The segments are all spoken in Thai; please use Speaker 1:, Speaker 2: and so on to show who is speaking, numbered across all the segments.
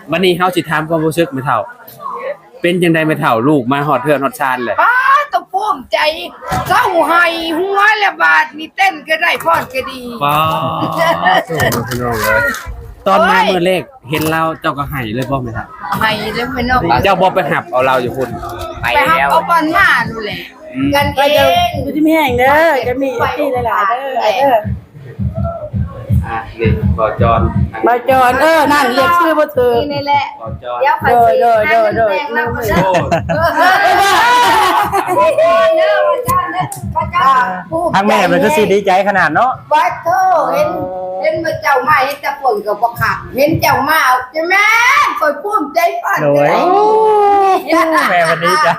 Speaker 1: วันนี้เฮาสิถามความรู้สึกแม่เฒ่าเป็นจังได๋แม่เฒ่าลูกมาฮอดเทือนฮอดชานเลย
Speaker 2: ป้าต้องภูมิใจเศร้าไห้หัวละบาดนี่เต้นก็ได้พรก็ดี
Speaker 1: ว้าวพี่น้องเอ้ยตอนมามื้อแรกเห็นเราเจ้าก็ให้เลยบ่แม่เฒ่า
Speaker 2: ให้แล้วไม่นอก
Speaker 1: เจ้าบ่ไปหับเอาเราอยู่พุ่นไป
Speaker 2: ไปหับ
Speaker 1: แล้ว
Speaker 2: เอาบอลมาดูแหละกันเอง
Speaker 3: อยู่ที่แม่งเด้อจะมีที่หลายๆเด้อ
Speaker 1: นี่บ่จอน
Speaker 3: มาจอนนั่นเรียกชื่อบ่ถูก
Speaker 2: นี่แหละ
Speaker 1: บ่จอน
Speaker 2: เดี๋ยวไปสิโดยมาเด้อ
Speaker 4: ทางแม่มันก็สิดีใจขนาดเนาะ
Speaker 2: บัดโตเห็นมาเจ้ามาเห็นแต่ฝนก็บ่ขาดเห็นเจ้ามาเอาจะแม่คอยภูมิใจปั่น
Speaker 4: โอ้ยแม่วันนี้ใจ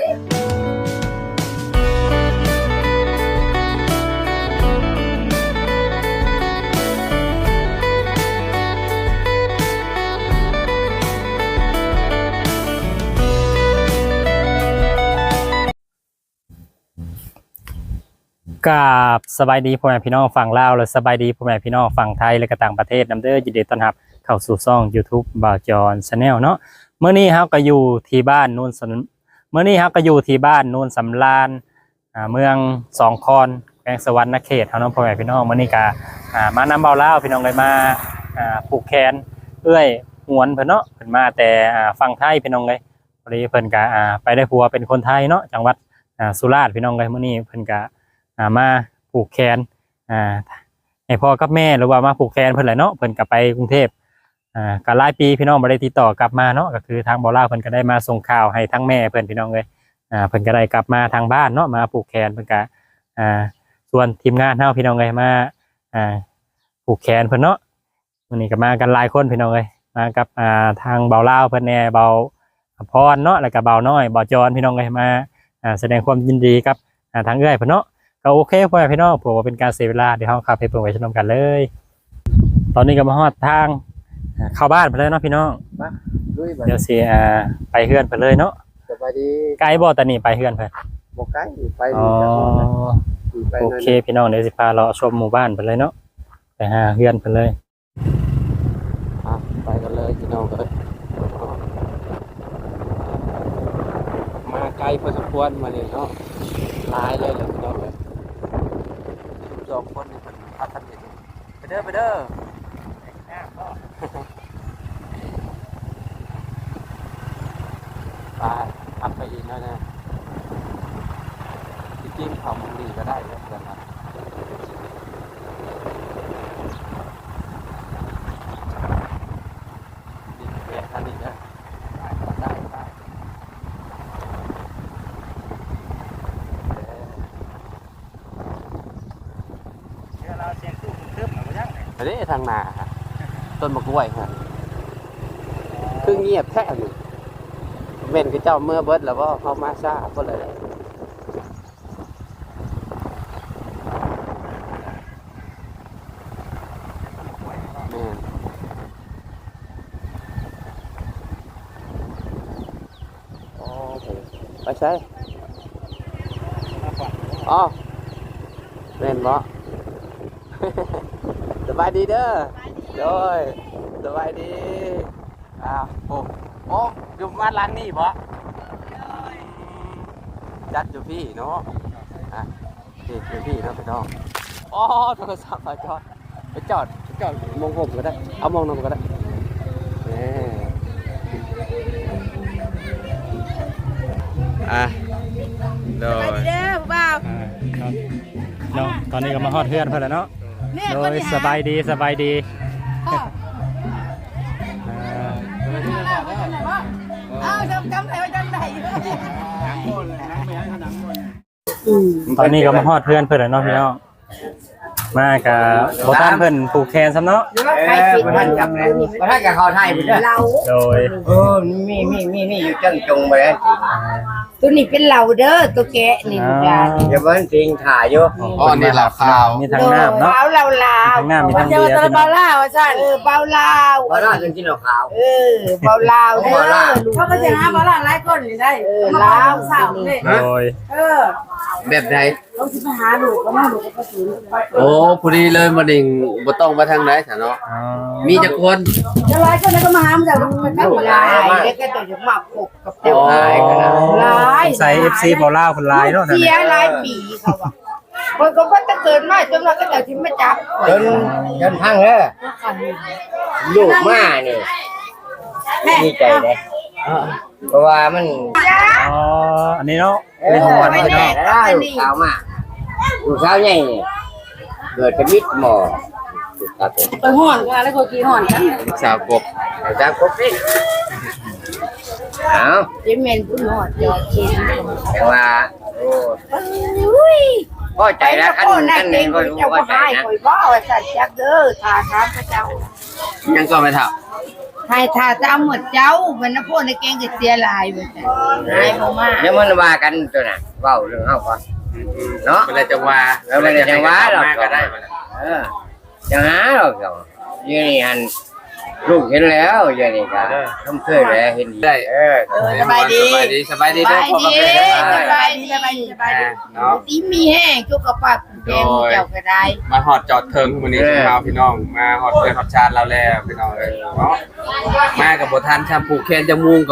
Speaker 4: กับสบายดีพ่อแม่พี่น้องฝั่งลาวและสบายดีพ่อแม่พี่น้องฝั่งไทยและก็ต่างประเทศนำเด้อยินดีต้อนรับเข้าสู่ช่อง YouTube บ่าวจอน Channel เนาะเมื่อนี้เฮาก็อยู่ที่บ้านโนนสำราญเมืองสองคอนแขวงสวรรณเขตเฮาเนาะพ่อแม่พี่น้องมื้อนี้ก็มานำเบาลาวพี่น้องเลยมาผูกแขนเอื้อยหวนเพิ่นเนาะเพิ่นมาแต่ฝั่งไทยพี่น้องเลยพอดีเพิ่นก็ไปได้ผัวเป็นคนไทยเนาะจังหวัดสุราษฎร์พี่น้องเลยมื้อนี้เพิ่นก็มาผูกแขนให้พ่อกับแม่หรือว่ามาผูกแขนเพิ่นแหละเนาะเพิ่นก็ไปกรุงเทพก็หลายปีพี่น้องบ่ได้ติดต่อกลับมาเนาะก็คือทางบ่าวลาวเพิ่นก็ได้มาส่งข่าวให้ทั้งแม่เพิ่นพี่น้องเลยเพิ่นก็ได้กลับมาทางบ้านเนาะมาผูกแขนเพิ่นก็ส่วนทีมงานเฮาพี่น้องเลยมาผูกแขนเพิ่นเนาะวันนี้ก็มากันหลายคนพี่น้องเลยมากับทางบ่าวลาวเพิ่นแน่เบาพรเนาะแล้วก็เบาน้อยบ่าวจอนพี่น้องเลยมาแสดงความยินดีกับทางเอื้อยเพิ่นเนาะก็โอเคพ่อแม่พี่น้องผมว่าเป็นการเสียเวลาเดี๋ยวเฮาขับไปเบิ่งไปชมกันเลยตอนนี้ก็มาฮอดทางเข้าบ้านไปเลยเนาะพี่น้องเดี๋ยวสิไปเฮือนไปเลยเนาะ
Speaker 5: สบายดี
Speaker 4: ไกลบ่ตอนนี้ไปเฮือนเพิ่น
Speaker 5: บ่ไกลไป
Speaker 4: โอเคพี่น้องเดี๋ยวสิพาเราชมหมู่บ้านไปเลยเนาะไปหาเฮือนไปเลย
Speaker 5: ไปกันเลยพี่น้องเอ้ยมาไกลพอสมควรมาเลยเนาะหลายเลยพี่น้องเอ้ย2คนนี่เพิ่นพากันเฮ็ดไปเด้อไปทำไปอีกหน่อยนะจริงๆทำดีก็ได้แล้วกันนะดีแค่นี้นะได้อันนี้ทางนาฮะต้นมะกล้วยฮะคือเงียบแท้เลยเม่นคือเจ้าเมื่อเบิดแล้วว่าเขามาซ่าก็เลยแม่โอ้ไปใช่อ๋อแม่นบ่สบายดีเด้อโดยสบายดีโอ้อยู่มาล้างนี่บ่จัดอยู่พี่เนาะนี่อยู่พี่เนาะพี่น้องอ๋อโทรศัพท์ไปจอดมองผมก็ได้เอามองนมก็ได้
Speaker 1: โดย
Speaker 3: เด้อบ่าว
Speaker 4: เนาะตอนนี้ก็มาฮอดเฮือนเพิ่นแล้วเนาะโดยสบายดี
Speaker 3: เอาจำได้ว่าจังได๋
Speaker 4: ตอนนี้ก็มาฮอดเพื่อนเพิ่นแล้วเนาะพี่น้องมากับบ่ทันเพิ่นผูกแขนซ้ำเนาะ
Speaker 2: บ่ทันจับแล้วบ่ทันกับเขาไทยพุ่นเด้อเรา
Speaker 4: โดย
Speaker 5: มีอยู่จังจงไปแล้ว
Speaker 2: ตัวนี้เป็นเหล่าเด้อตัวแกะนี่จ้า
Speaker 5: เดี๋ยวเบิ่งจริงถ่ายอยู่
Speaker 1: นี่ล่ะข่าว
Speaker 4: มีทางน้ำเนาะ
Speaker 2: ขาวลาว
Speaker 4: ทางน้ำมีทาง
Speaker 3: เจ
Speaker 4: เบี
Speaker 3: อย
Speaker 4: ร์
Speaker 3: ตะบาล่าว่าซั่น
Speaker 2: เบาลาว
Speaker 5: บ่ได้จริงๆหรอกขาว
Speaker 2: เบาลาวเด้อ
Speaker 3: เขาก็จะหาบาล่าหลายคนนี่ได้ลาวสาวนี่
Speaker 4: โดย
Speaker 5: แบบใด
Speaker 3: เราสิไปหาลูกก็มาลูกก็สูง
Speaker 5: โอ้พอดีเลยมาดิ่งบ่ต้องมาทางไหนซะเนาะ
Speaker 4: อ๋อ
Speaker 5: มีจักคน
Speaker 3: จะไล่คนนั้นก็มาหามันจะไปนั่ง
Speaker 2: ลายแล้วก็จะมาปกกับเจ้า
Speaker 5: ลายกันนะ
Speaker 2: ลาย
Speaker 4: ใส่ FC บ่ลาวคนลายเนาะนั่น
Speaker 2: เสีย
Speaker 4: น่ะ
Speaker 2: หลายปีเขาว่าคนก็ว่าจะเกิดมาจนเราก็จะที่มาจับ
Speaker 6: จนพังแล้วลูกมานี่ดีใจเลยเพราะว่ามัน
Speaker 4: อ๋ออันนี้เนาะอันนี้ของหวาน
Speaker 2: ไม่
Speaker 4: เพิ่น
Speaker 2: แน่
Speaker 4: เนาะ
Speaker 6: ได้ลูกสาวมาลูกสาวใหญ่นี่เกิดเป็นมิตรหมอครับผม
Speaker 3: ไปห่อนกันแล้วก็กี่ห่อนกัน
Speaker 5: สาวกบ
Speaker 6: แต่จากครบนี่เอา
Speaker 2: เจมเมนผู้หนอดยอดเชน
Speaker 6: แต่ว่า
Speaker 2: อุ้ย
Speaker 6: พอใจแล้วขั้น
Speaker 2: นั่
Speaker 6: ขั้น
Speaker 2: เอ
Speaker 6: นี้
Speaker 2: ง
Speaker 6: ก็
Speaker 2: เจ้า
Speaker 6: พ
Speaker 2: ก็
Speaker 6: อใจ
Speaker 2: ให้
Speaker 6: นะ
Speaker 2: คอยบ่ว่าสัตว์จักเด้อทาทามพระเจ้า
Speaker 5: ยังก็ไม่เท่า
Speaker 2: ให้ทาตามหมดเจ้ามันนะพวกในแกงก็เสียหลายเหมือนกันหายบ่มา
Speaker 6: เดี๋ยวมันว่ากันตัวน่ะเว้าเรื่องเฮาก่อนเนาะ
Speaker 5: เวลาจะว่า
Speaker 6: แล้วมันจะว่าหรอก
Speaker 5: ก็ได้
Speaker 6: จะหาหรอกยี่นี่หันลูกเห็นแล้วยี่นี่ก็ทำเคยแล้วเห็น
Speaker 5: ได้
Speaker 2: สบายดี
Speaker 5: สบายดีสบายดี
Speaker 2: ส
Speaker 5: เด้อบ
Speaker 2: าย
Speaker 5: พ่อ
Speaker 2: ดี
Speaker 5: กับแม่
Speaker 2: สบายดีสบายดีสบายดี
Speaker 5: เนาะ
Speaker 2: ดีมีแห้งจุกกระปับแกงเจ้าก็ได้
Speaker 5: มาหอดจอดเทิงวันนี้เราพี่น้องมาหอดเทิงหอดชาติเราแล้วพี่น้องเลยเนาะมากับบททันชาผูกแขนจมูกก็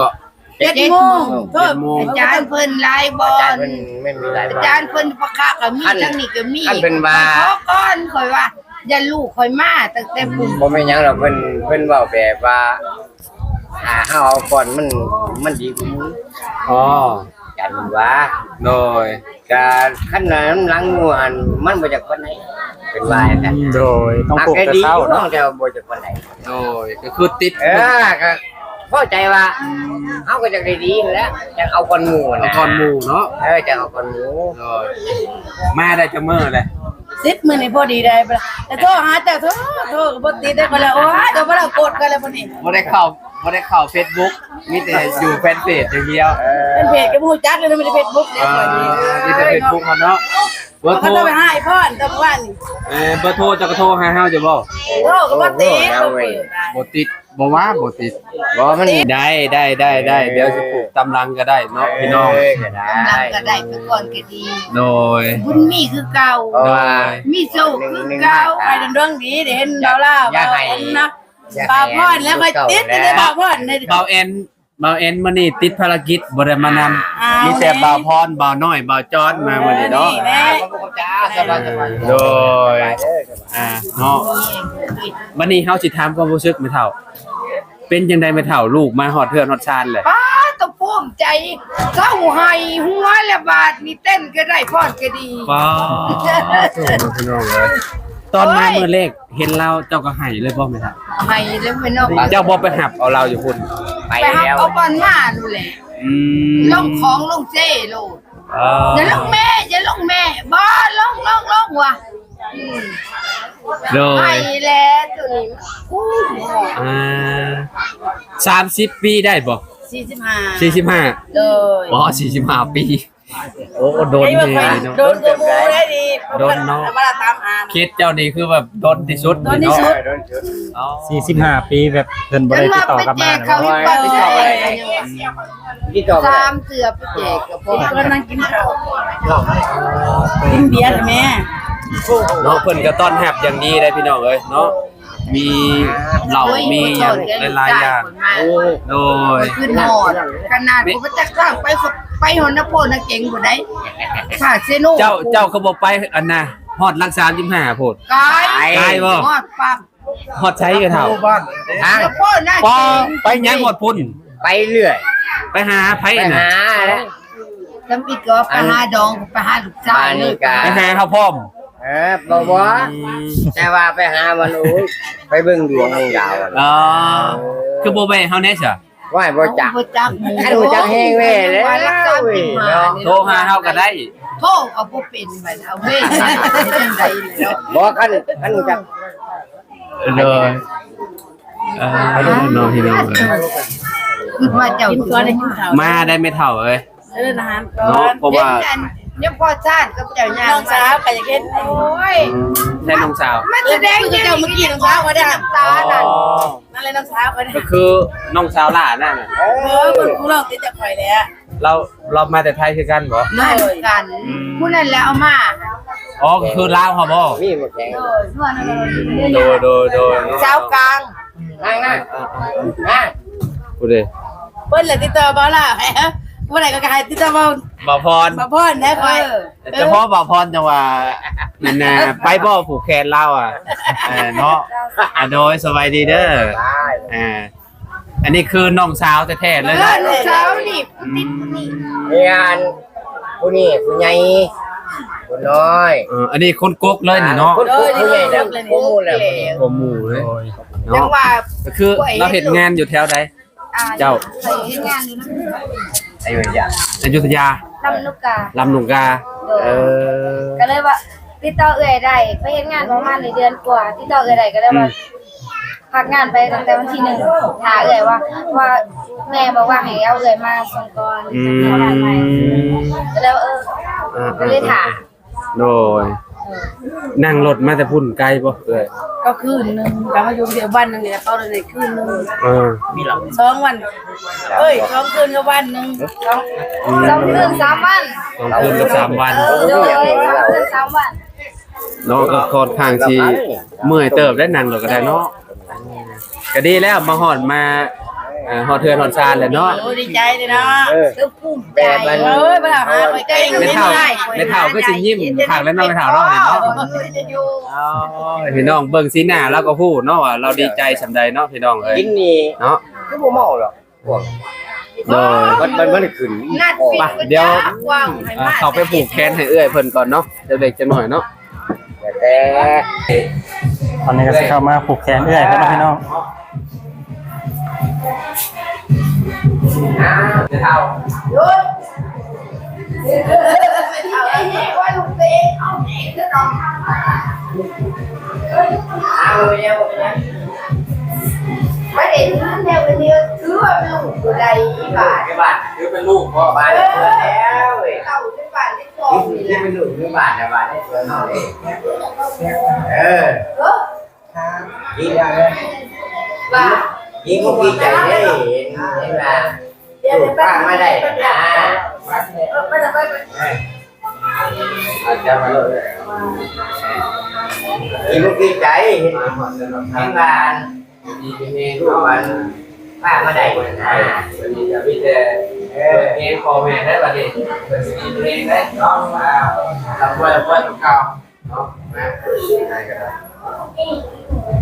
Speaker 2: 7 โมงโทษอาจารย์เพิ่นไลายบอ
Speaker 6: อาจาร
Speaker 2: ล
Speaker 6: ย์มันไม่มีหลาย
Speaker 2: อา
Speaker 6: บ้า
Speaker 2: จาน รย์เพิ่นประกาศก็มีทั้งนี้ก็มี
Speaker 6: ท่านเป็นว่า
Speaker 2: ขอก่อนข่อยว่าอย่าลูกข่อยมาตั้งแต่ปุ่ม
Speaker 6: ผมไม่ยังหรอกเพิ่นเว้าแบบว่าเฮาเอาก่อนมันดีกว่ามึง
Speaker 5: อ๋อ
Speaker 6: จันว่า
Speaker 5: โดย
Speaker 6: การขั้นนั้นหลังงัวอันมันบ่จากคนไหนเป็นว่าอย่างนั้น
Speaker 4: โดยต้องปลูก
Speaker 6: แต่
Speaker 4: แต่
Speaker 6: ดี
Speaker 4: เช้า
Speaker 6: น้อ
Speaker 4: เนาะ
Speaker 6: งจะบ่จากคนไหน
Speaker 5: โดยก็คือติด
Speaker 6: ก็พอใจว่าเฮาก็จะได้ดีแล้วจะเอาคนหมู่
Speaker 5: ละ
Speaker 6: นะ
Speaker 5: ครหมู่เนาะ
Speaker 6: จะเอาคนหมู่
Speaker 5: โดยมาได้จะเมื่อเลย
Speaker 3: 10 มื้อนี่พอดีได้บ่ล่ะแต่โทรหาเจ้าโทรก็บ่ติดได้บ่ล่ะโอ้ยเดี๋ยวบ่ล่ะกดกันแล้วบ่นี่
Speaker 5: บ่ได้เข้า Facebook มีแต่อยู่แฟนเพจอย่างเดียว
Speaker 3: เป็นเพจก็บ่ฮู้จักเลยนะไม่ได้ Facebook เนี่ยข่อยนี่
Speaker 5: มีแต่ Facebook เขาเนาะเบอร์โทร
Speaker 3: เขาต้องไปหาไอ้พ่อนตะวันนี่
Speaker 5: เบอร์โทรจะกระโทรหาเฮาจะบ่
Speaker 3: โอ้ก็บ่ติดบ่เปิดได้
Speaker 5: บ่ติดบ่ว่าบ่ติด
Speaker 6: บ่มัน
Speaker 5: ได้เดี๋ยวสิปลูกตำลังก็ได้เนาะพี่น้อง
Speaker 6: ก็ได้
Speaker 2: กำลังก็ได้ไปก่อนก็ดี
Speaker 5: โดย
Speaker 2: บุญมีคือเก่า
Speaker 6: เพราะว่า
Speaker 2: มีโชคคือเก่า
Speaker 3: ไปเรื่องดีเดี๋ยวเห็นเราล่ะ
Speaker 6: อย่าให้
Speaker 3: นะปาพ่อนแล้วก็ติดได้ปาพ่อนใน
Speaker 5: เบาเอ็นมื้อนี้ติดภารกิจบ่ได้มานำมีแต่บ่าวพรบ่าวน้อยบ่าวจอนมามื้อนี้เนาะ
Speaker 3: แน่
Speaker 6: สบาย
Speaker 5: โดยเนาะวันนี้เฮาสิถามความรู้สึกแม่เฒ่า เป็นจังได๋แม่เฒ่าลูกมาฮอดเทือนฮอดชานเลย
Speaker 2: ป้าตะภูมิใจเศร้าให้หัวละบาดนี่เต้นก็ได้พอดก็ดี
Speaker 5: ว้าวพี่น้องเอ้ยตอนมามื้อแรกเห็นเราเจ้าก็ให้เลยบ่แม่เฒ่า
Speaker 2: ให้แล้วไม่นอก
Speaker 5: เจ้าบ่ไปหับเอาเราอยู่พุ่น
Speaker 6: ไป
Speaker 2: ไปหับ
Speaker 6: แล้ว
Speaker 2: เอาบอลมาดูแหละ
Speaker 5: อืม
Speaker 2: ลงของลงเจ้โลด อย่าลงแม่อย่าลงแม่บ่ลงว่ะอืม
Speaker 5: โด
Speaker 2: ไป
Speaker 5: ย
Speaker 2: แล้วตัวนี้กู้
Speaker 5: 30 ปีได้บ่
Speaker 3: 45
Speaker 5: 45
Speaker 3: เลย
Speaker 5: บ่45 ปี โอ้โดน
Speaker 3: ไอ้
Speaker 5: เล
Speaker 3: ว่าใคร
Speaker 5: ยเนาะ
Speaker 3: โดนตัวมูได้ดี
Speaker 5: โดนเนาะ
Speaker 3: มาตามอ่าน
Speaker 5: เคสเจ้านี่คือแบบโดนที่สุด
Speaker 3: โดนที่สุด
Speaker 5: อ๋อ
Speaker 4: 45 ปีแบบเพิ่นบ่ได้ติดต่อกลับมา
Speaker 2: เขา
Speaker 4: เนาะ
Speaker 2: ไปแจกอะไรกันยังวะ
Speaker 6: ที่ต่อไป
Speaker 2: สามเสือไปแจกกับพ่อ
Speaker 3: ก็นั่งกินข้าวกินเบียร์แม่
Speaker 5: เนาะเพิ่นก็ต้อนรับอย่างดีเลยพี่น้องเอ้ยเนาะมีเหล้ามีหยังหลายๆอย่างโอ้โดย
Speaker 2: ขึ้นหอดขนาดผมจะข้างไปหอนนโพนเก่งกว่าได้ค่ะเซโน
Speaker 5: เจ้าก็บ่ไปอันน่ะฮอดรัก35โพด
Speaker 2: กาย
Speaker 5: กายบ่
Speaker 2: หอดปัก
Speaker 5: ฮอดใช้กันเฒ่า
Speaker 6: ทาง
Speaker 2: นโพนน่า
Speaker 5: ปอ
Speaker 2: เก่ง
Speaker 5: ไปหยังฮอดพุ่น
Speaker 6: ไปเรื่อย
Speaker 5: ไปหาไผ
Speaker 6: ไป
Speaker 5: น่ะ
Speaker 6: หาแล้ว
Speaker 2: จำอีกก็ไปหาดองไปหาลูกชายเลย
Speaker 5: ไปหาเขาพร้อม
Speaker 6: บ่แต่ว่าไปหามันโอ้ยไปเบิ่งดวงของดาว
Speaker 5: อ๋อคือบ่แม่เฮาแน่ซะ
Speaker 6: ว่าบ่จัก
Speaker 2: บ่จัก
Speaker 6: อันบ่จักแห้งแว่แล้ว
Speaker 2: ว่ารักษาผิดมา
Speaker 5: โทรหาเฮาก็ได้
Speaker 2: โทษเอาบ่เป็นไปเอาเว้ยจังได๋แล้ว
Speaker 6: บ่คันบ่จัก
Speaker 5: เลยน้องพี่น้องเอ้ย
Speaker 2: คือว่าเจ้า
Speaker 3: กินก่อนได้กินข้าว
Speaker 5: มาได้ไม่เท่าเอ้ย
Speaker 3: เดินอาหารก่อ
Speaker 5: เนาะ
Speaker 3: น
Speaker 5: เพราะว่า
Speaker 2: เนี่ยพอชาติกับเจ้าย่าง
Speaker 3: น้องสาวก็อยากเห็น
Speaker 2: โอ้ย
Speaker 5: ใช่น้องสาว
Speaker 2: มันแสดง
Speaker 3: คือเจ้าเมื่อกี้น้องสาวก็ได้
Speaker 2: น้ำตานั่น
Speaker 3: นั่นเลยน้องสาวก็ได้
Speaker 5: ก็คือน้องสาวหล่านั่นน่ะ
Speaker 3: คนผู้ลองติดจากข่อยแล้ว
Speaker 1: เรามาแต่ไทยคือกันบ่
Speaker 2: มาด้วยกันผู้นั้นแล้วเอามา
Speaker 1: อ๋อคือลาวเหรอบ่
Speaker 6: มีหมดแข็ง
Speaker 1: โดย
Speaker 2: เจ้ากลาง
Speaker 6: นั่งนั่ง
Speaker 1: พูดดิ
Speaker 3: เพิ่นเลยติดต่อบ่ล่ะผู้ใดก็กายติดต่อบ่
Speaker 1: บ่พร
Speaker 3: บ่พ่นได้ค่อย
Speaker 1: แต่พ่อบ่พรจังว่านั่นน่ะไปบ่ผูกแขนเราอ่ะเนาะโดยสบายดีเด้ออันนี้คือน้องสาวแท้ๆเลยนะ
Speaker 2: เช้านี่ติดนี่
Speaker 6: มีงานผู้นี้ผู้ใหญ่ผู้น้อย
Speaker 1: อันนี้คนกกเลยนี่เนาะ
Speaker 6: คนผู้ใหญ่แล้วผู้มูแล้ว
Speaker 1: บ่หมู่เลย
Speaker 2: จัง
Speaker 1: เนาะ
Speaker 2: ว่า
Speaker 1: ก็คือเราเฮ็ดงานอยู่แถวใด เจ้า
Speaker 2: เคยเฮ็ดงานอยู่นะ
Speaker 6: อายุยา
Speaker 1: อยุธยา
Speaker 2: ลำลูกกา
Speaker 1: ลำหนุงกาเออ
Speaker 2: ก็เลยว่าติดต่อเอื่อยได้ไปเฮ็ดงานประมาณเดือนกว่าติดต่อเอื่อยได้ก็เลยว่าพักงานไปตั้งแต่วันที่1หาเอื่อยว่าแม่บอกว่าให้เอาเอื่อยมาส่งก่อนจะมีงานใหม่ก็เลยว่าก็เลยถาม
Speaker 1: โดยนั่งรถมาแต่พุ่นไกลบ่เอ้ย
Speaker 3: ก็คืนนึงก็มาอยู่เดียววันนึงเนี่ยเขาเลยคืนนึง
Speaker 6: มีหลัง
Speaker 3: 2 วัน2 คืนกับวันนึง
Speaker 2: 2 คืน 3 วัน
Speaker 1: 2 คืนกับ3 วัน
Speaker 2: โดย2 คืน 3 วัน
Speaker 1: เนาะก็ค่อนข้างสิเมื่อยเติบได้นั่งรถก็ได้เนาะก็ดีแล้วมาฮอดมาฮอดเทือนฮอดซานแล้วเนาะ
Speaker 3: โอ้ดีใจเลยเนาะ
Speaker 2: คือภูมิใจ
Speaker 6: แบบมัน
Speaker 3: เอ้ยบ่ล่ะหาไปใกล้
Speaker 1: ไม่เท่าก็สิยิ้มข้างแล้วน้องไม่เท่าเนาะเนาะอ๋อพี่น้องเบิ่งสีหน้าแล้วก็พูดเนาะว่าเราดีใจสำใดเนาะพี่น้องเอ้ย
Speaker 6: กินนี่
Speaker 1: เนาะ
Speaker 6: ก็บ่เมาหรอกพวก
Speaker 1: โดย
Speaker 6: มันขึ้น
Speaker 2: นัดปิด
Speaker 1: เดี๋ยว
Speaker 2: กว้างให้มาก
Speaker 1: เขาไปผูกแขนให้เอื้อยเพิ่นก่อนเนาะเดี๋ยวเด็กจะหน่อยเนาะ
Speaker 6: แต่
Speaker 4: ตอนนี้ก็สิเข้ามาผูกแขนเอื้อยเพิ่นเนาะพี่น้อง
Speaker 1: จะเท่า
Speaker 2: เอาไอ้นี่ว่าลูกเต๋เอานี่คือน้องไม่ได้ถือแนวเดียวถือว่าเป็นลูกตัวใดอีบาท
Speaker 6: บ้านคือเป็นลูกพ่อบ้านได้เกิดแล้วเว้ย
Speaker 2: เข้าในบ้านในครอบ
Speaker 6: นี่เป็นลูกคือบ้านนะบ้านได้เกิดเฮาเองดีแล้วเลย
Speaker 2: บ้าน
Speaker 6: ยิงก็ดีใจได้เห็นว่าลูกป้าไม่ได้นะ
Speaker 2: ไม่ได้ไป
Speaker 6: อาจจะมาเลยยิงก็ดีใจเห็นว่ามีลูกมันป้าไม่ได้นะวันนี้จะมีแต่เองพ่อแม่ได้ประเด็นเป็นสิ่งเองได้น้องมาทำว่าเก่าเนาะนะได้ก็ได้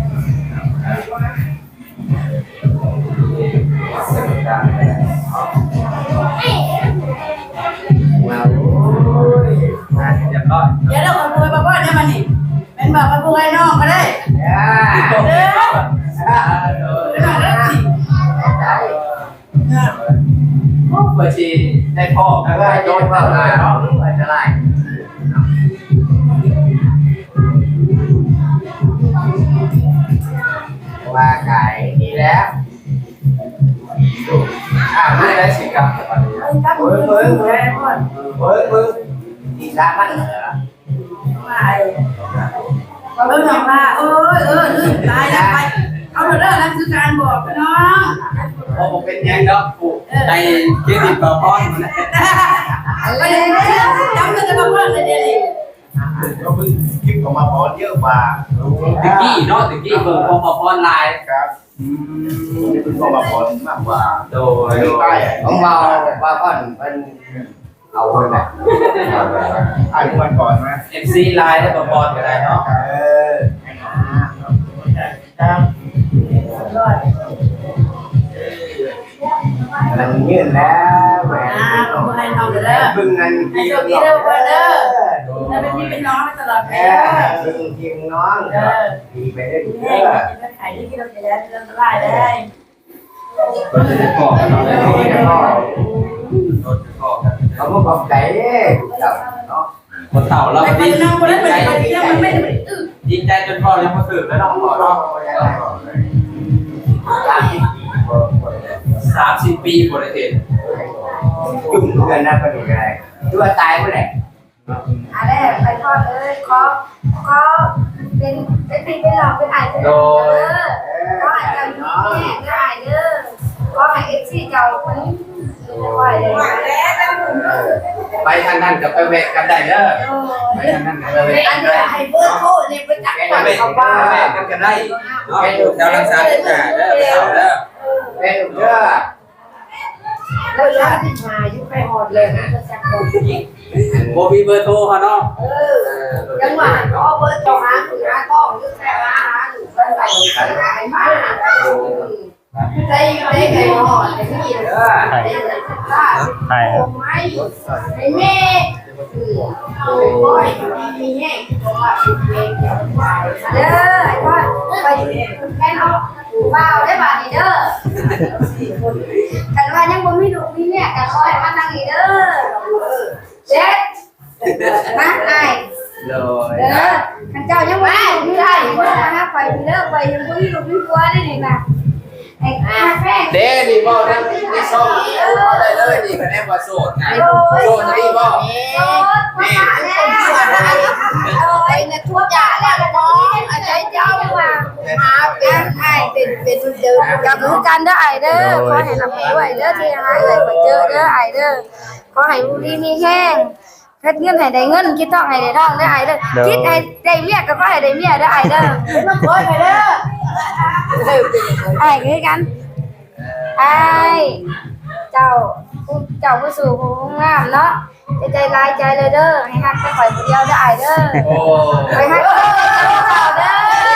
Speaker 6: มาโอ้ยมาเรียบร้อย
Speaker 3: เดี๋ยวเราขโมยมาพ่อได้มานี่เป็นบอกมาพูดให้น้องก็ได้เด้อ
Speaker 1: เปิดชีได้พ่อ
Speaker 6: แล้วก็โยนเข้ามาเนาะมันจะไล่ว่าไก่ดีแล้วไม่ได้สิครับเบิ้งดีละมันเหรอ
Speaker 3: เบิ่งน้องว่าลืมตายแล้วไปเอาเด้อนั่นคือการบอกน้อง
Speaker 1: พอผมเป็นยังเนาะปู่ในเกติบพ่อ
Speaker 3: ไปเลยจำได้มาพ่อเลยเดี๋ยวนี้
Speaker 6: ก็เพิ่งคลิปของมาพอเยอะกว่า
Speaker 1: ตะกี้เนาะตะกี้เบิ่งพอออนไลน์
Speaker 6: ครับนี่เป็นของมาพอมากกว่า
Speaker 1: โดย
Speaker 6: ของเราว่าก่อนมันเอาเลยนะอ่านวันก่อนนะ
Speaker 1: MC ไลน์ได้พอก็ได้เนาะ
Speaker 6: ครับมันยื่นแล้วแหวน
Speaker 3: ขโมยให้น้องเด้อ
Speaker 6: บึงเงิน
Speaker 3: ให้โชคดีเด้อพ่อเด้อแล้วเป็นพี่เป็นน้องไปตลอดไปเด้อ
Speaker 6: บึงทีมน้องดีไปได้ดี
Speaker 3: แม่จะขายที่เราจะได้เรื่องรายได้
Speaker 1: ก็จะได้บอกเนาะได้บอก
Speaker 6: เขาก็บอกใจเนาะ
Speaker 1: คนเต่าเรา
Speaker 3: ไป
Speaker 1: ดี
Speaker 3: น้องคนนั้นมันไม่ได้
Speaker 1: ดีใจจนพ่อยังมาถึงแล้วน้องขอร้อง30 ปีบริเทศ
Speaker 6: จุ่มเงินนะประเดี๋ยวอะไรตัวตายเมื่อไหร่
Speaker 2: อะไรไปทอดเลยขอเป็นพี่เป็นหลอกเป็นไอ้เป็นน้องเด้อก็อาจจะมีแม่ได้เด้อก็ให้เอฟซีเจ้าคนนี้คอยเลย
Speaker 6: ไปทางนั้นกับไปแวะกันได้เด้อไปทางนั้นกับไปแวะกันได้
Speaker 3: ให้เบอร์โทรนี่ไปจัก
Speaker 6: แวะกันได้เนาะเจ้ารักษาทุกอย่างเด้อไปเอาเด้อแวะเด้อ
Speaker 3: แล้วยาที่มาอยู่ไปหอดเลยนะจักบ่
Speaker 6: บ่มีเบอร์โทรเขาเนาะ
Speaker 3: จังหวะก็เบอร์เจ้าหาคุณหาท้องอยู่แต่ว่าหาอยู่ไปไหนไปมาได้ไงหอดได้ยิน
Speaker 4: ใช่ครับ
Speaker 3: ไม่ไอ้แม่โอ้ยมีแห้งเพราะว่าเป็นเด้อไอ้พ่อไปแค่เอาว้าวได้บาดนี่เด้อกันว่ายังบ่มีลูกมีแม่กันคอยมานั่งนี่เด้อเจ็ดมาไอ้เด้อคันเจ้ายังบ่มีลูกมีได้บ่นะไปเด้อไปยังบ่มีลูกมีผัวได้นี่นะไอ้แม่
Speaker 6: เด้นี่บ่ได้นี่ซ่อมได้เลยนี่คะแนนว่าโสดนะโสดนี่บ่นี่
Speaker 3: ไอ้เนี่ยทั่วจ่าแล้วน้องอาจารย์เจ้าว่ามาเป็นไอ้เป็นเดิม
Speaker 2: กับรู้กันเด้อไอเด้อขอให้รับด้วยเด้อที่หาเอ่ยไปเจอเด้อไอเด้อขอให้บุรีมีแห้งเฮ็ดเงินให้ได้เงินคิดทองให้ได้ทองเด้อไอเด้อคิดให้ได้เมียก็ขอให้ได้เมียเด้อไอเด้อ
Speaker 3: เป็นมาโอยไปเด้อ
Speaker 2: ไอคือกันไอเจ้าผู้สู่ผู้งามเนาะใจลายใจเลยเด้อให้ฮักแต่ข่อยผู้เดียวเด้อไอเด้อ
Speaker 6: โอ้
Speaker 2: ไปฮักเด้อ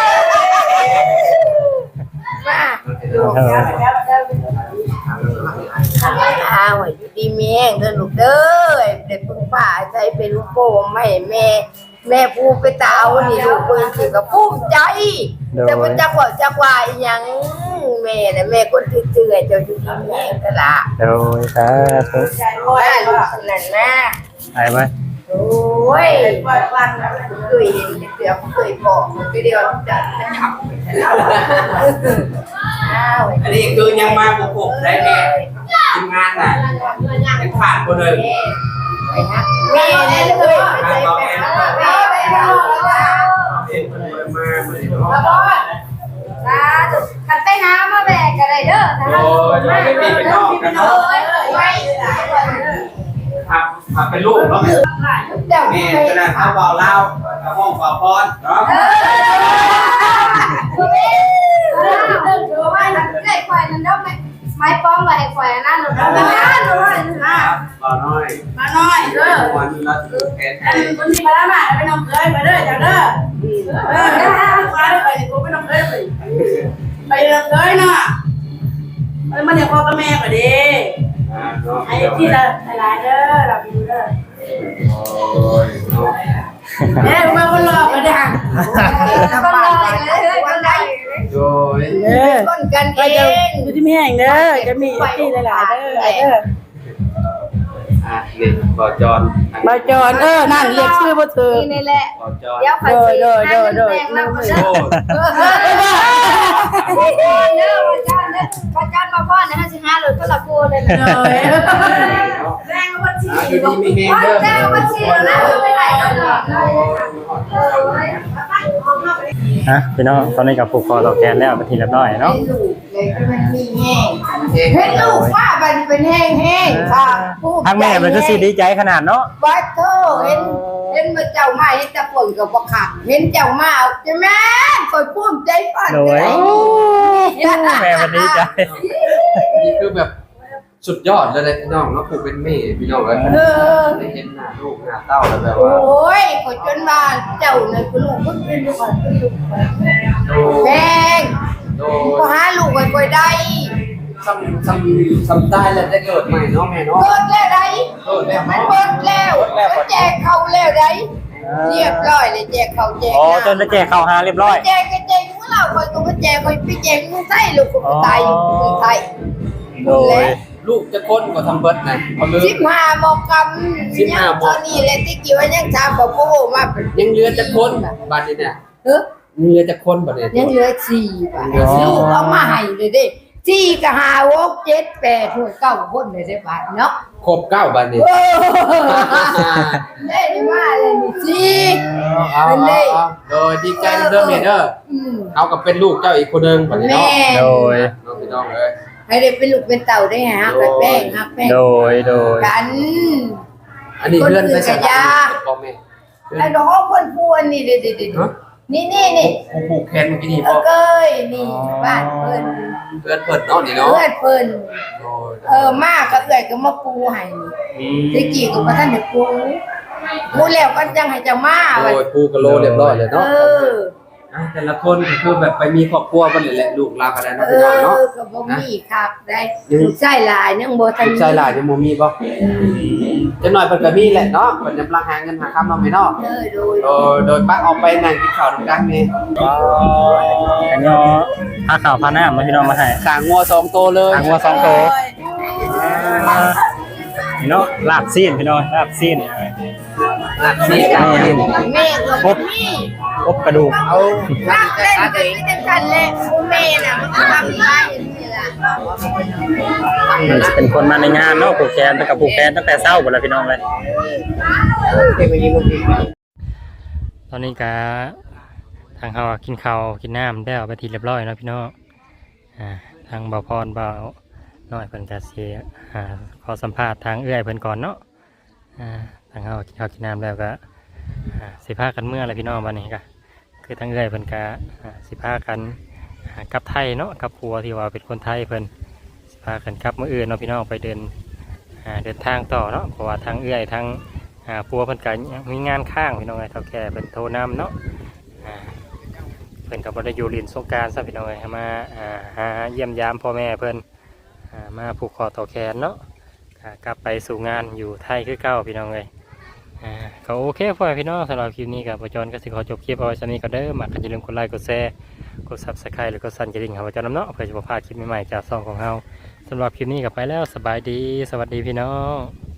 Speaker 2: มา
Speaker 3: อ้าวอยู่ดีแม่เด้อลูกเด้อเด็กพึ่งป่าใจเป็นลูกโป่งไม่แม่ผู้ไปตาเอานี่ลูกเพิ่นสิก็ภูมิใจแต่บ่จักว่าอีหยังแม่น่ะแม่คนเตื้อๆเจ้าอยู่ดีแม่ก็ล่ะ
Speaker 4: โดยสาธุ
Speaker 3: โอ้ยลูกนั่นนะ
Speaker 4: ไอ้ไหม
Speaker 3: โอ้ยวันเคยเห็นเดี๋ยวเคยบอกไปเดียวจะจับอ้าว
Speaker 6: อันนี้คือยังมาบุกบุกได้แม่ทีมงานน่ะยังผ่านคนเลย
Speaker 3: แม่เนี่ยเลยไปใจแม่ไปรอแล้ว
Speaker 6: เห็นคนเลยมาเลยเนาะ
Speaker 2: สาธุคันไปหามาแบกก็ได้เด้อถ้า
Speaker 6: โอ้ยไม่มีไปนอกกันเนาะ
Speaker 3: ไว้
Speaker 6: ขับเป็นลูกเนาะ
Speaker 3: เจ้า
Speaker 6: แม่
Speaker 3: แม่
Speaker 6: ขนาดข้าวเบาเล่าห้องเบาพรเนาะ
Speaker 2: ไม้ควายนั่นเด้อไม้ป้องไว้ให้ควายนั่นหนูนั่นหนูนั่น
Speaker 6: เบาน้อย
Speaker 3: มาหน่อยเด้อ
Speaker 6: วันเราถือแขนให้
Speaker 3: คนที่มาแล้วมาไปน้องเคยไปเด้อจ้าเด้อมาไปกูไปน้องเคยไปน้องเคยเนาะมันยังพ่อกับแม่ก็ดี
Speaker 6: เนาะ
Speaker 3: ไอ้ที่ละหลายเด้อเราไปดูเด้อ
Speaker 6: โอ้ยเนาะ
Speaker 3: เอ๊ะมาคนรอกันได้
Speaker 2: ก็รอเลยก็ได้
Speaker 6: โอ้ย
Speaker 3: ต้นกันเองอยู่ที่แม่งเด้อจะมีที่หลายๆเด้อ
Speaker 6: นี่บ่จอน
Speaker 3: มาจอนนั่นเรียกชื่อบ่ถูก
Speaker 2: นี่แหละ
Speaker 6: บ่จอน
Speaker 2: เดี๋ยวข่อยสิแม่งมาเด้อ
Speaker 6: โอ้
Speaker 2: เด้อว่าจ้าเด้อว่าจ้ามาพ่อนะสิหาเลยก็ละกูเลยนะ
Speaker 3: แรงบ่สิ
Speaker 6: อยู่ดีมีเฮง
Speaker 2: ว่า
Speaker 6: เด้อ
Speaker 2: จ้าว่าสินะไปไหนกันเนาะ
Speaker 4: ฮะพี่น้องตอนนี้กับผูกคอต่อแกนแล้วเป็นทีเรียบร้อยเนาะ
Speaker 3: ลูกเลยมันมีแห้ง
Speaker 6: เฮง
Speaker 3: เห็นลูกว่ามันเป็นแห้งๆค่ะ
Speaker 4: ทางแม่มันก็สิดีใจขนาดเนาะ
Speaker 3: ว่าโธ่เห็นมาเจ้ามาเห็นแต่ฝนก็บ่ขาดเห็นเจ้ามาใช่ไหมคอยภูมิใจฝัน
Speaker 4: โดยแม่มันดีใจ
Speaker 6: นี่คือแบบสุดยอดเลยพี่น้องเนาะผูกเป็นแม่พี่น้องเลย
Speaker 3: เออ
Speaker 6: ได้เห็นหน้าลูกหน้าเต้าแล้วแบบ
Speaker 3: โอ
Speaker 6: ว่า
Speaker 3: ้ยขอยจนว่าเจ้าเนี่ยคือลูกคนเป็นลูกคนเป็นลูกแพง
Speaker 6: โด
Speaker 3: ก็หาลูกไว้ได้
Speaker 6: ซ้ำตายแล้วได้เกิดใหม่เนาะแม่เนาะ
Speaker 3: เกิดแล้วได้
Speaker 6: เกิดแล้ว
Speaker 3: มัน
Speaker 6: เนาะ
Speaker 3: เบิดแล้วมันแจกเขาแล้วได้เรียบร้อยเลยแจกเขาแจก
Speaker 4: อ๋อจนจะแจกข้าวหาเรียบร้อย
Speaker 3: แจกก็แจกของเราคอยก็ไปแจกคอยไปแจกมึงไส้ลูกก็ตายมึงไส้
Speaker 4: โดย
Speaker 6: ลูกจะคนก็ทำเบิดนะเขาลืม
Speaker 3: 15โมงกำยังตอนนี้เลยที่กี่ว่ายัง3บ่พูมา
Speaker 6: ยังเหลือจะคนบัดนี้เนี่ย
Speaker 3: เฮ้อ
Speaker 6: ยังเหลือจะคนบัดนี้
Speaker 3: ยังเหลือ4บาทลูกเอามาให้เลยเด้4ก็5 6 7 8 9คนเลยได้บาทเนาะ
Speaker 6: ครบ9บัดนี้
Speaker 3: เด้มาเลยนี่สิ
Speaker 6: เอาโดยดีใจเด้อแม่เด้อเอากับเป็นลูกเจ้าอีกคนนึงบัดนี้เนาะ
Speaker 3: แม่
Speaker 4: โดย
Speaker 6: น้องพี่น้องเอ้ย
Speaker 3: ให้ได้เป็นลูกเป็นเต่าได้หากับแป้งหักแป้ง
Speaker 4: โดย
Speaker 3: กัน
Speaker 5: อันนี้เพื่อนไปสัญญาพ่อแม่
Speaker 3: ไอ้ดอกเพิ่นพูนนี่เด็ดๆนี่
Speaker 5: ผู้ผูกแขนเมื่อกี้นี่
Speaker 3: เอ
Speaker 5: พ่อ
Speaker 3: อเกยนี่บ้านเพิ่น
Speaker 5: เพื่อนเพิ่นเนาะนี่เนาะ
Speaker 3: เพื่อนเพิ่นมากก็เอื้อยก็มาปูให้ตะกี้ก็บ่ทันได้ปูแล้วก็จังให้เจ้ามาไว้
Speaker 5: โอ้ยปูกะโลเรียบร้อยเลยเนาะ
Speaker 1: แต่ละคนก็คือแบบไปมีครอบครัวกันเลยแหละลูกลากันได้เนาะพี่น้องเนาะ
Speaker 3: ก็บ่มีครับได้ลูกชายหลายยังบ่ทัน
Speaker 5: ลูกชายหลานยังบ่มีบ่จังหน่อยเพิ่นก็มีแหละเนาะเพิ่นกำลังหาเงินหาคำเนาะแม่เนาะ โดยปักออกไปนั่งกินข้าวนํกันนี่
Speaker 4: อันนี้ผ้าขาวผ้าหน้ามาพี่น้องมาให้
Speaker 5: สร้างงัว2ตัวเลย
Speaker 4: ทางวัว2ตัวพี่น้องลาบซีนพี่น้องลาบซีน
Speaker 5: นี่กัน
Speaker 3: แม่ก็มี
Speaker 4: อบกระดูก
Speaker 5: เอา
Speaker 3: รักเล่นก็คือจังซั่นแหละแม่น่ะมันก็ทำได้นี่ล่ะ
Speaker 4: มันจะเป็นคนมาในงานเนาะผูกแขนตั้งแต่ผูกแขนตั้งแต่เช้าหมดแล้วพี่น้องเลย
Speaker 5: เก็บไว้ยิงลูกพี่
Speaker 4: ตอนนี้ก็ทางเขากินข้าวกินน้ำได้เอาไปทีเรียบร้อยเนาะพี่น้องทางบ่าวพรบ่าวน้อยเพิ่นก็สิขอสัมภาษณ์ทางเอื้อยเพิ่นก่อนเนาะทางเขากินข้าวกินน้ำแล้วก็สิพากันเมื่อไรพี่น้องวันนี้ก็คือทางเอื้อยเพิ่นก็สิพากันกลับไทยเนาะกับครัวที่ว่าเป็นคนไทยเพิ่นสิพากันกลับมื้ออื่นเนาะพี่น้องไปเดินทางต่อเนาะเพราะว่าทางเอื้อยทางปัวเพิ่นก็มีงานข้างพี่น้องเอ้ยเฒ่าแก่เพิ่นโทรนำเนาะเพิ่นก็บ่ได้อยู่เรียนสงกรานต์ซะพี่น้องเอ้ยมาหาเยี่ยมยามพ่อแม่เพิ่นมาผูกคอต่อแขนเนาะกลับไปสู่งานอยู่ไทยคือเก่าพี่น้องเอ้ยก็โอเคพ่อแม่พี่น้องสำหรับคลิปนี้ก็บ่จอนก็สิขอจบคลิปเอาไว้ซั่นนี้ก็เด้อมักก็อย่าลืมกดไลค์กดแชร์กด Subscribe หรือกดสั่นกระดิ่งให้บ่จอนนำเนาะเพื่อจะบ่พลาดคลิปใหม่ๆจากช่องของเฮาสำหรับคลิปนี้ก็ไปแล้วสบายดีสวัสดีพี่น้อง